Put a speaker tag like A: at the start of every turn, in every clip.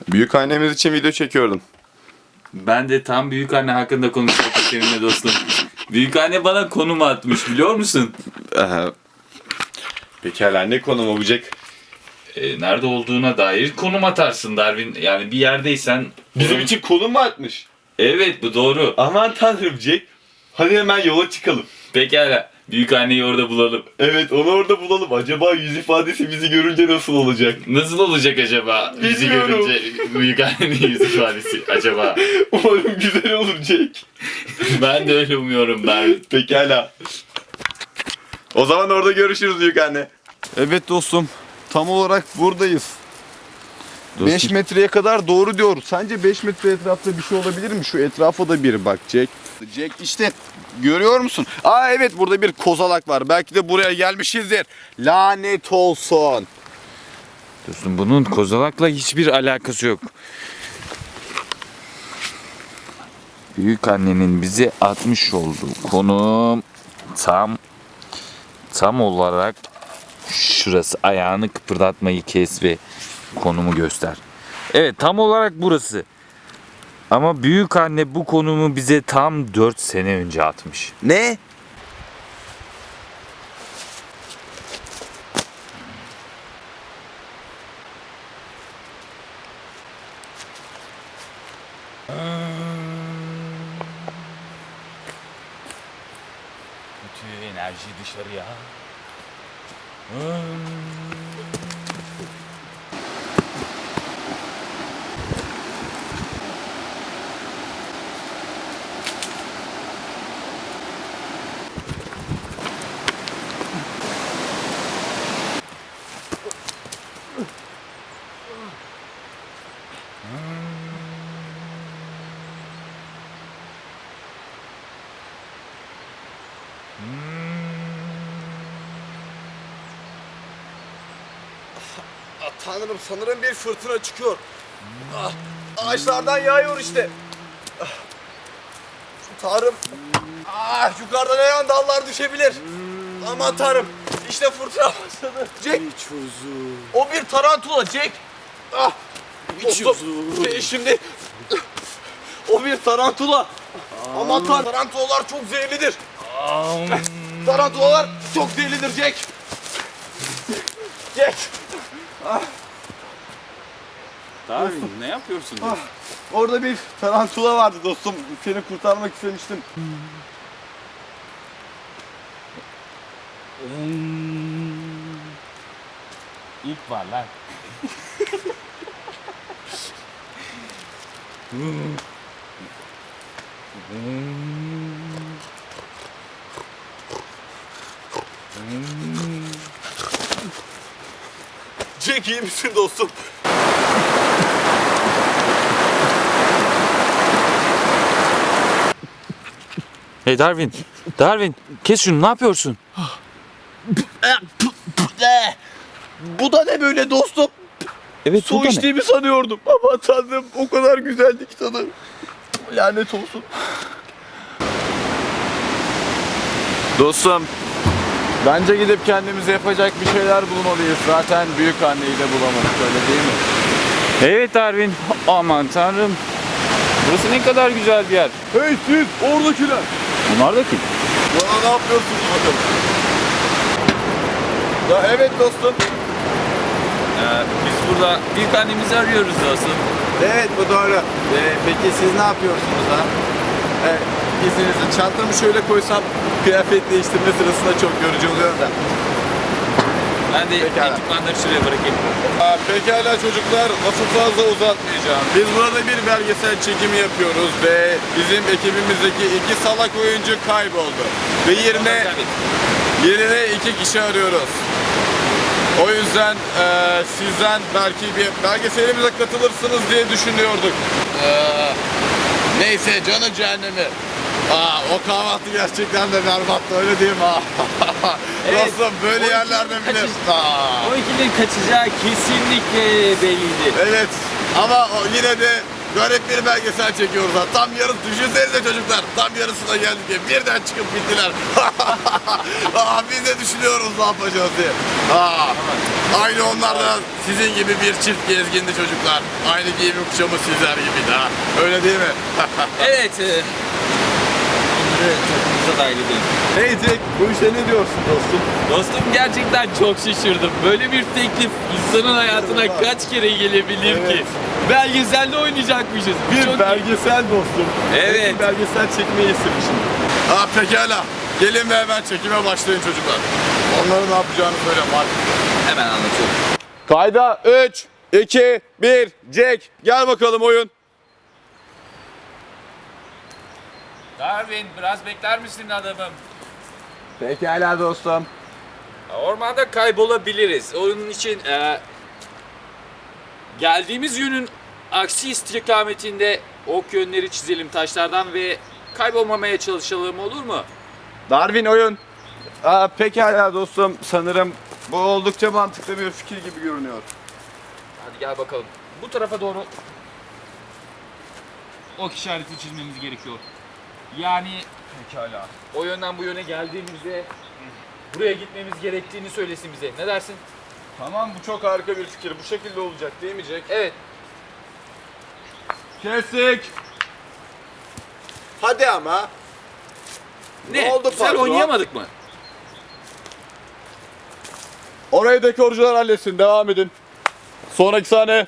A: Büyükannemiz için video çekiyordum.
B: Ben de tam büyükanne hakkında konuşacaktım seninle dostum. Büyükanne bana konum atmış biliyor musun?
A: Pekala, ne konum olacak?
B: Nerede olduğuna dair konum atarsın Darwin. Yani bir yerdeysen...
A: Bizim için konum mu atmış?
B: Evet, bu doğru.
A: Aman tanrım Jack. Hadi hemen yola çıkalım.
B: Pekala. Büyükanneyi orada bulalım.
A: Evet, onu orada bulalım. Acaba yüz ifadesi bizi görünce nasıl olacak?
B: Nasıl olacak acaba? Bizi
A: Bilmiyorum.
B: görünce büyükannenin yüz ifadesi acaba?
A: Umarım güzel olur Jack.
B: Ben de öyle umuyorum Darwin.
A: Pekala. O zaman orada görüşürüz büyükanne.
C: Evet dostum. Tam olarak buradayız.
B: Dostum.
C: 5 metreye kadar doğru diyoruz. Sence 5 metre etrafta bir şey olabilir mi? Şu etrafa da bir bak Jack. Jack işte görüyor musun? Aa evet, burada bir kozalak var. Belki de buraya gelmişizdir. Lanet olsun.
B: Dostum, bunun kozalakla hiçbir alakası yok. Büyükannenin bize atmış olduğu konum tam olarak şurası. Ayağını kıpırdatmayı kes ve konumu göster. Evet, tam olarak burası. Ama büyükanne bu konumu bize tam 4 sene önce atmış.
C: Ne?
B: Bütün enerji dışarıya.
C: Tanrım, sanırım bir fırtına çıkıyor. Ağaçlardan yağıyor işte. Tanrım. Yukarıdan her an dallar düşebilir. Aman tanrım. İşte fırtına başladı. Jack. O bir tarantula Jack. Dostum, şimdi o bir tarantula. Aman tanrım. Tarantulalar çok zehirlidir. Tarantulalar çok zehirlidir Jack. Jack.
B: Darwin, ne yapıyorsun?
C: Orada bir tarantula vardı dostum. Seni kurtarmak istemiştim.
B: İlk var lan.
C: Jack, iyi misin dostum?
B: Hey Darwin, Darwin, kes şunu, ne yapıyorsun?
C: Bu da ne böyle dostum?
B: Evet,
C: Su içtiğimi sanıyordum. Ama tanrım, o kadar güzeldi ki tadı. Lanet olsun. Dostum, bence gidip kendimize yapacak bir şeyler bulmalıyız. Zaten büyük anneyi de bulamadık, öyle değil mi?
B: Evet Darwin, aman tanrım. Burası ne kadar güzel bir yer.
C: Hey siz, oradakiler.
B: Bunlar da kim?
C: Bana ne yapıyorsunuz bakalım? Ya evet dostum.
B: Biz burada büyük annemizi arıyoruz dostum.
C: Evet, bu doğru. Peki siz ne yapıyorsunuz ha? İzninizle çantamı şöyle koysam kıyafet değiştirme sırasında çok yorucu oluyor da.
B: Ben de
C: Pekala.
B: ekipmanları şuraya bırakayım.
C: Pekala çocuklar, lafı fazla uzatmayacağım. Biz burada bir belgesel çekimi yapıyoruz ve bizim ekibimizdeki 2 salak oyuncu kayboldu. Ve yerine 2 kişi arıyoruz. O yüzden sizden belki bir belgeselimize katılırsınız diye düşünüyorduk. Neyse, canı cehennemi. O kahvaltı gerçekten de berbattı, öyle değil mi?
B: Evet,
C: Dostum, böyle
B: o
C: yerlerde
B: ikilinin
C: bile...
B: O ikilinin kaçacağı kesinlikle belliydi.
C: Evet, ama yine de garip bir belgesel çekiyoruz ha. Tam yarısı, düşünsenize çocuklar. Tam yarısına geldik diye birden çıkıp bittiler. Biz de düşünüyoruz ne yapacağız diye. Aynı onlar da sizin gibi bir çift gezgindi çocuklar. Aynı giyimi kuşamı sizler gibiydi ha. Öyle değil mi?
B: Evet. Onları takımımıza dahil edelim.
C: Hey Jack, bu işe ne diyorsun dostum?
D: Dostum gerçekten çok şaşırdım. Böyle bir teklif insanın hayatına kaç kere gelebilir ki? Belgeselde oynayacakmışız. Çok
C: belgesel dostum.
D: Evet.
C: Bir belgesel çekmeyi istemişim. Pekala. Gelin ve hemen çekime başlayın çocuklar. Onların ne yapacağını söyle Mark.
D: hemen anlatıyorum.
C: Kayda 3, 2, 1, Jack. Gel bakalım oyun.
D: Darwin biraz bekler misin adamım?
C: Pekala dostum.
D: Ormanda kaybolabiliriz. Onun için geldiğimiz yönün aksi istikametinde ok yönleri çizelim taşlardan ve kaybolmamaya çalışalım, olur mu?
C: Darwin oyun. Pekala dostum. Sanırım bu oldukça mantıklı bir fikir gibi görünüyor.
D: Hadi gel bakalım. Bu tarafa doğru ok işareti çizmemiz gerekiyor. Yani pekala. O yönden bu yöne geldiğimizde buraya gitmemiz gerektiğini söylesin bize. Ne dersin?
C: Tamam, bu çok harika bir fikir. Bu şekilde olacak değil mi Jack?
D: Evet.
C: Kestik. Hadi ama.
D: Ne?
C: oldu
D: Güzel
C: patron?
D: oynayamadık mı?
C: Orayı dekorcular halletsin. Devam edin. Sonraki sahne.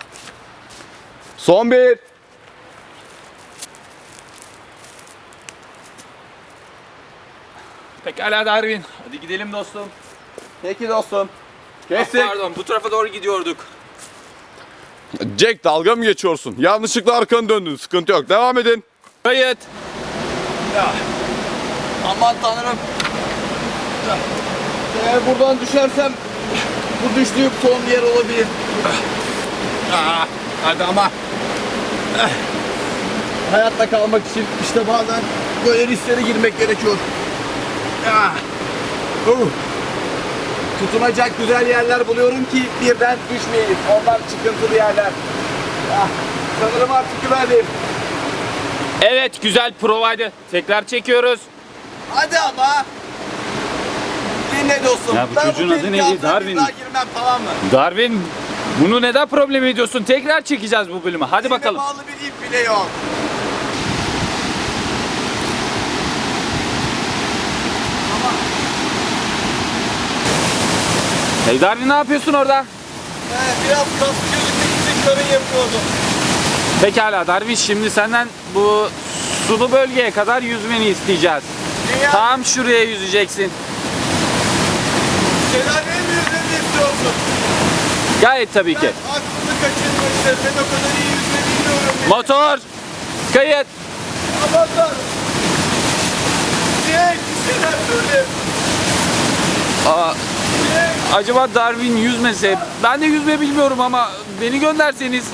C: Son bir.
D: Pekala Darwin. Hadi gidelim dostum.
C: Peki dostum.
D: Ah,
C: Kestik.
D: pardon, bu tarafa doğru gidiyorduk.
C: Jack, dalga mı geçiyorsun? Yanlışlıkla arkanı döndün. Sıkıntı yok. Devam edin.
D: Kayıt.
C: Aman tanrım. Eğer buradan düşersem bu düştüğüm son yer olabilir. Hadi ama. Hayatta kalmak için işte bazen böyle risklere girmek gerekiyor. Tutunacak güzel yerler buluyorum ki birden düşmeyeyim. Onlar çıkıntılı yerler. Sanırım artık güvenliyim.
D: Evet, güzel provaydı. Tekrar çekiyoruz.
C: Hadi ama. Dinle dostum.
B: Ya bu
C: Ben
B: çocuğun adı
C: tehlike
B: neydi?
C: altına bir
B: Darwin.
C: daha girmem, tamam mı?
D: Darwin, bunu neden problem ediyorsun? Tekrar çekeceğiz bu bölümü. Hadi
C: Elime
D: bakalım.
C: bağlı bir ip bile yok.
D: Hey Darwin, ne yapıyorsun orada?
C: Biraz kaslı gözükmek için karın yapıyordum.
D: Pekala Darwin, şimdi senden bu sulu bölgeye kadar yüzmeni isteyeceğiz.
C: Dünya
D: Tam şuraya yüzeceksin.
C: şelaleye mi yüzmemi istiyorsun?
D: Gayet tabii ki.
C: Ben aklını kaçırmıştım. Ben o kadar iyi yüzme bilmiyorum.
D: Motor, kayıt.
C: Aman tanrım. Jack, bir şeyler söyle.
D: Aa,
C: Jack.
D: acaba Darwin yüzmese? Ben de yüzme bilmiyorum ama beni gönderseniz.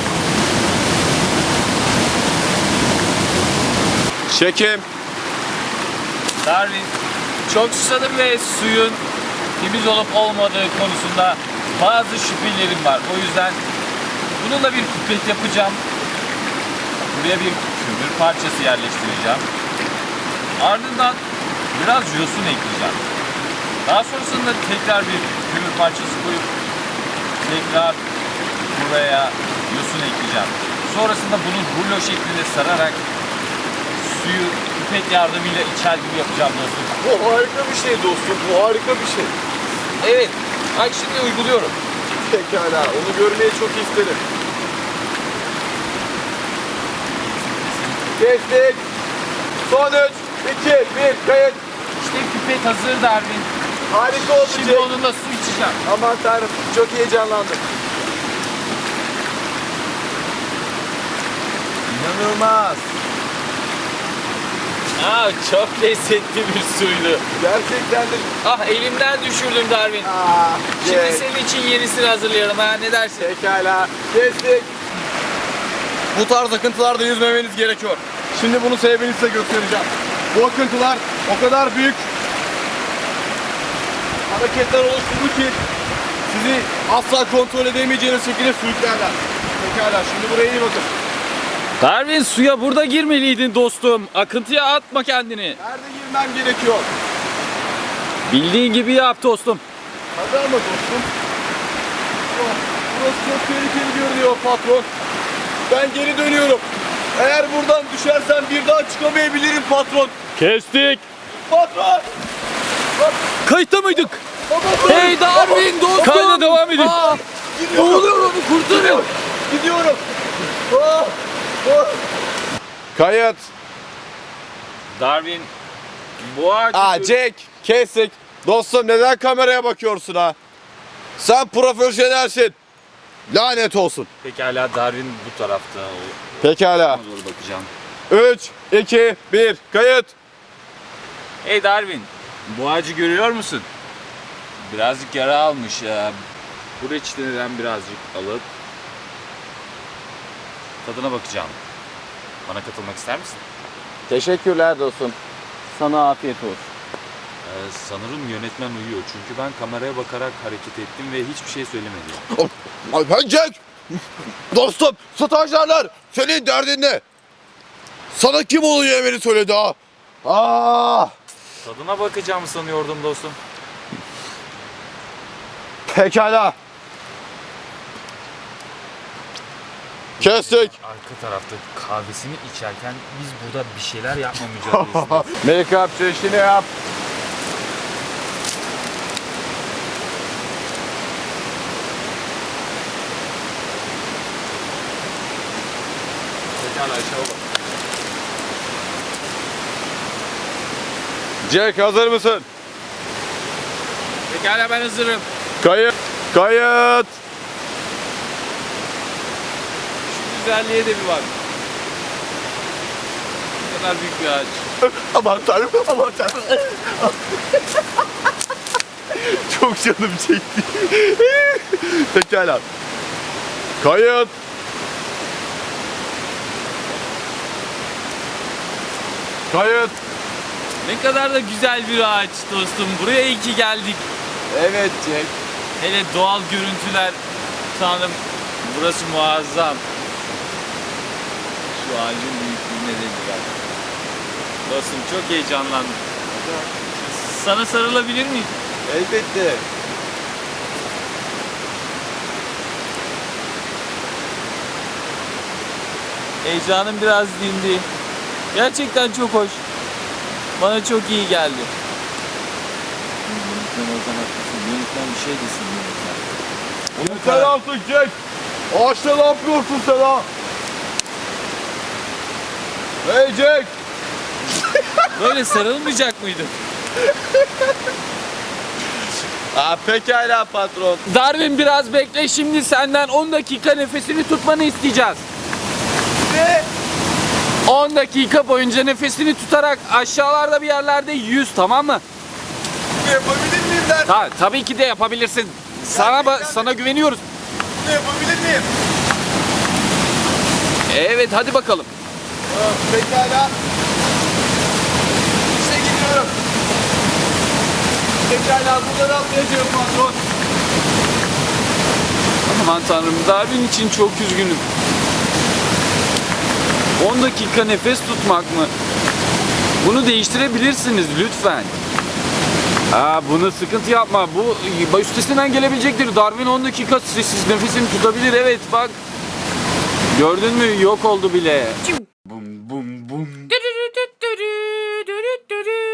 C: Çekim.
D: Darwin, çok susadım ve suyun temiz olup olmadığı konusunda bazı şüphelerim var. O yüzden bununla bir pipet yapacağım. Buraya bir kömür parçası yerleştireceğim. Ardından biraz yosun ekleyeceğim. Daha sonrasında tekrar bir kömür parçası koyup tekrar buraya yosun ekleyeceğim. Sonrasında bunu rulo şeklinde sararak suyu pipet yardımıyla içer gibi yapacağım dostum.
C: Bu harika bir şey dostum. Bu harika bir şey.
D: Evet, bak şimdi uyguluyorum.
C: Pekala. Onu görmeyi çok isterim. Kestik. Son 3, 2, 1, kayıt.
D: İşte pipet hazır Darwin.
C: Harika oldu
D: Şimdi
C: Jack.
D: onunla su içeceğim.
C: Aman tanrım, çok heyecanlandım. İnanılmaz.
D: Aa, çok lezzetli bir suydu.
C: Gerçekten de...
D: Ah, elimden düşürdüm Darwin. Şimdi
C: Jack.
D: senin için yenisini hazırlayalım ha, ne dersin?
C: Pekala. Kestik. Bu tarz akıntılarda yüzmemeniz gerekiyor. Şimdi bunun sebebini size göstereceğim. Bu akıntılar o kadar büyük hareketler oluşturdu ki sizi asla kontrol edemeyeceğiniz şekilde sürüklerler. Pekala, şimdi buraya iyi bakın.
D: Darwin, suya burada girmeliydin dostum. Akıntıya atma kendini.
C: Nerede girmem gerekiyor?
D: Bildiğin gibi yap dostum.
C: Hadi ama dostum. Oh, burası çok tehlikeli görünüyor patron. Ben geri dönüyorum. Eğer buradan düşersem bir daha çıkamayabilirim patron.
D: Kestik.
C: Patron!
D: Kayıtta mıydık?
C: Patron!
D: Hey Darwin dostum. Kayda devam edin. Ne oluyor, onu kurtarın.
C: Gidiyorum. Ah, ah. Kayıt.
D: Darwin, bu ağacı...
C: Jack, kestik. Dostum neden kameraya bakıyorsun ha? Sen profesyonelsin. Lanet olsun.
D: Pekala, Darwin bu tarafta.
C: Pekala.
D: Doğru bakacağım.
C: 3, 2, 1, kayıt.
D: Hey Darwin, bu ağacı görüyor musun? Birazcık yara almış ya. Bu reçeteden birazcık alıp tadına bakacağım. Bana katılmak ister misin?
C: Teşekkürler dostum.
D: Sana afiyet olsun.
B: Sanırım yönetmen uyuyor. Çünkü ben kameraya bakarak hareket ettim ve hiçbir şey söylemedim.
C: Ben Jack. Dostum, stajyerler. Senin derdin ne? Sana kim onu yemeni söyledi ha?
B: Tadına bakacağımı sanıyordum dostum.
C: Pekala. Kestik.
B: Arka tarafta kahvesini içerken biz burada bir şeyler yapma mücadelesinde.
C: Make-up çeşini yap. Pekala, Jack hazır mısın?
D: Pekala, ben hazırım.
C: Kayıt. Kayıt.
D: Şu güzelliğe de bir bak. Ne kadar büyük bir ağaç.
C: Aman tanrım, aman tanrım. Çok canım çekti. Pekala. Kayıt. Kayıt.
D: Ne kadar da güzel bir ağaç dostum. Buraya iyi ki geldik.
C: Evet Jack.
D: Hele doğal görüntüler. Tanrım, burası muazzam. Şu ağacın büyüklüğüne de bir bak. Dostum, çok heyecanlandım. Sana sarılabilir miyim?
C: Elbette.
D: Heyecanım biraz dindi. Gerçekten çok hoş. Bana çok iyi geldi. Yönetmen o zaman haklısın. Yönetmen bir şey desin yönetmen.
C: Yeter artık Jack. Ağaçta ne yapıyorsun sen ha? Hey Jack.
D: Böyle sarılmayacak mıydın?
C: Pekala patron.
D: Darwin, biraz bekle. Şimdi senden 10 dakika nefesini tutmanı isteyeceğiz.
C: Ne?
D: 10 dakika boyunca nefesini tutarak aşağılarda bir yerlerde yüz, tamam mı?
C: Yapabilir miyim ben?
D: Tabii ki de yapabilirsin. Sana güveniyoruz.
C: Yapabilir miyim?
D: Evet, hadi bakalım.
C: Pekala. İşte gidiyorum. Pekala, buradan atlayacağım patron.
D: Aman tanrım, Darwin için çok üzgünüm. 10 dakika nefes tutmak mı? Bunu değiştirebilirsiniz lütfen. Bunu sıkıntı yapma. Bu üstesinden gelebilecektir. Darwin 10 dakika sessiz nefesini tutabilir. Evet, bak. Gördün mü? Yok oldu bile.
B: Bum bum bum.